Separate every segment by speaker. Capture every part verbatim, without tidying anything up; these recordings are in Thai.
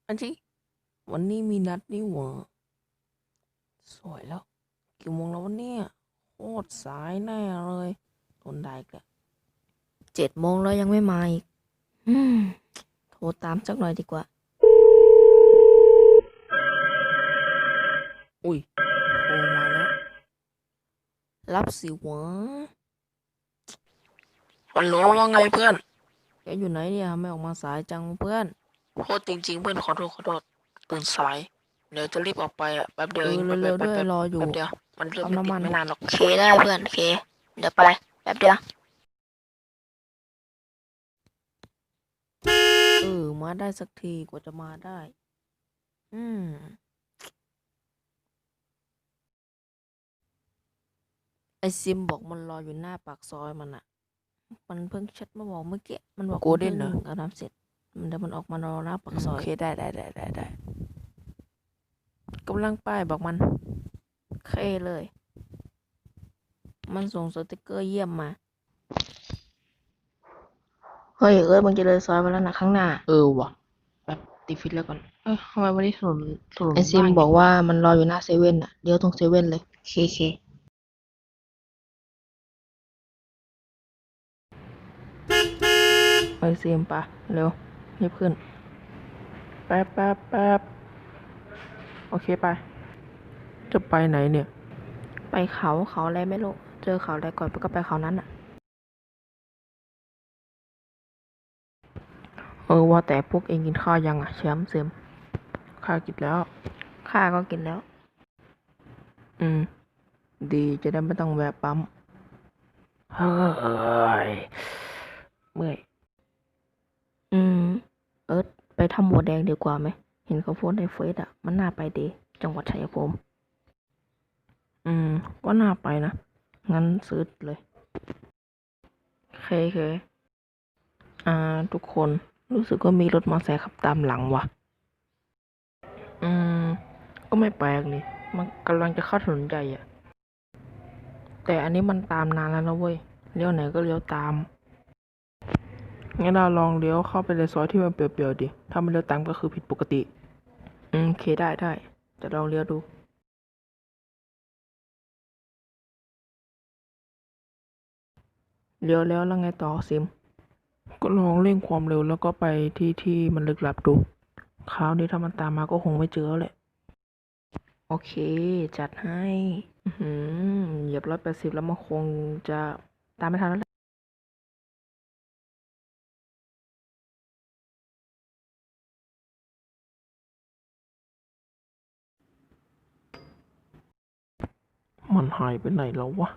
Speaker 1: อันที่วันนี้มีนัดนี่หว่าสวยแล้วกี่โมงแล้ววันนี้โคตรสายแน่เลยทนได้กะเจ็ดโมงแล้วยังไม่มาอีกอืมโทรตามสักหน่อยดีกว่าอุ้ยโทรมาแล้วรับสิวะฮัลโหลว่าไงเพื่อนแกอยู่ไหนเนี่ยไม่ออกมาสายจังเพื่อนโคตรจริงๆเพื่อนขอโทษขอโทษตื่นสายเดี๋ยวจะรีบออกไปอ่ะแป๊บเดียวเองเร็วๆด้วยรออยู่แป๊บเดียวมันเริ่มไม่ติดไม่นานหรอกเคได้เพื่อนเคเดี๋ยวไปแป๊บเดียวเออมาได้สักทีกว่าจะมาได้ อืมไอซิมบอกมันรออยู่หน้าปากซอยมันอะมันเพิ่งแชทมาบอกเมื่อกี้มันบอกกูเด่นเหรออาบน้ำเสร็จมันเดี๋ยวมันออกมารอหน้าปากซอยโอเคได้ได้ได้ได้ได้กำลังไปบอกมันเคเลย มันส่งสติกเกอร์เยี่ยมมาเฮ้ยเอ้ยมึงจะเลยซอยมาแล้วนะข้างหน้า
Speaker 2: เออว่ะแบบติดฟิตแล้วก่อนเอ้ยทำไมวันนี้ถนนถนน
Speaker 1: ไอซิม
Speaker 2: ว่าง
Speaker 1: บ
Speaker 2: อย่าง
Speaker 1: อกว่ามันรออยู่หน้าเซเว่นอะเดี๋ยวตรงเซเว่นเลย
Speaker 2: เคเค
Speaker 1: ไอซิมปะเร็วรีบขึ้นแป๊บแป๊บแป๊บโอเคไปจะไปไหนเนี่ยไปเขาเขาอะไรไม่รู้เจอเขาอะไรก่อนก็ไปเขานั้นอะเออว่าแต่พวกเองกินข้าวยังอะแชมป์เซมข้ากินแล้วข้าก็กินแล้ว อืมดีจะได้ไม่ต้องแวะปั๊มเฮ้ยเมื่อยอืมเอิร์ธไปทำบัวแดงดีกว่าไหมเห็นเขาโพสในเฟซอ่ะมันน่าไปดีจังหวัดชัยภูมิอืมก็น่าไปนะงั้นซื้อเลยเคเคอ่าทุกคนรู้สึกว่ามีรถมอเตอร์ไซค์ขับตามหลังว่ะอืมก็ไม่แปลกนี่มันกำลังจะเข้าถนนใหญ่อ่ะแต่อันนี้มันตามนานแล้วนะเว้ยเลี้ยวไหนก็เลี้ยวตาม งั้นเราลองเลี้ยวเข้าไปในซอยที่มันเปลี่ยวๆดิ ถ้ามันเลี้ยวตามก็คือผิดปกติ อืมโอเคได้ได้ จะลองเลี้ยวดู เลี้ยวแล้วแล้วไงต่อซิม ก็ลองเร่งความเร็วแล้วก็ไปที่ที่มันลึกลับดู คราวนี้ถ้ามันตามมาก็คงไม่เจอแหละ โอเค จัดให้ อือหือเหยียบร้อยแปดสิบแล้วมันคงจะตามไม่ทันแล้วแหละมันหายไปไหนแล้ววะ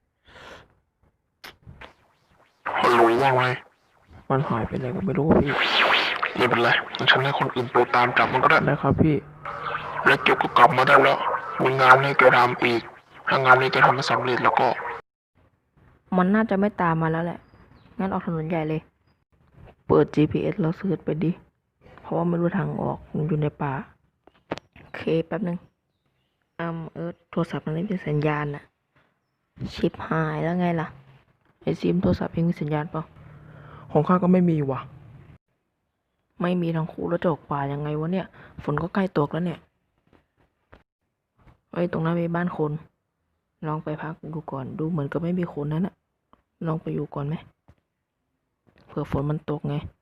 Speaker 3: ฮัลโหลว่าไง
Speaker 1: มันหายไปไหนก็ไม่รู้พี่
Speaker 3: ไม่เป็นไรฉันให้คนอื่นไปตามจับมันก็ได้
Speaker 1: ได้ครับพี่
Speaker 3: แล้วเก็บก็กลับมาได้แล้วมีงานให้แกทำอีกถ้างานนี้แกทำไม่สำเร็จแล้วก็
Speaker 1: มันน่าจะไม่ตามมาแล้วแหละ งั้นออกถนนใหญ่เลย เปิด จี พี เอส แล้วเสิร์ชไปดิ เพราะว่าไม่รู้ทางออกมันอยู่ในป่าโอเคแป๊บนึงอืมเอิร์ธโทรศัพท์มันไม่มีสัญญาณอะชิปหายแล้วไงล่ะ ไอซิมโทรศัพท์เองมีสัญญาณเปล่า ของข้าก็ไม่มีว่ะ ไม่มีทั้งคู่แล้วจะออกป่ายังไงวะเนี่ย ฝนก็ใกล้ตกแล้วเนี่ยไอ้ยตรงนั้นมีบ้านคน ลองไปพักดูก่อน ดูเหมือนกับไม่มีคนนั้นอะลองไปอยู่ก่อนไหม เผื่อฝนมันตกไง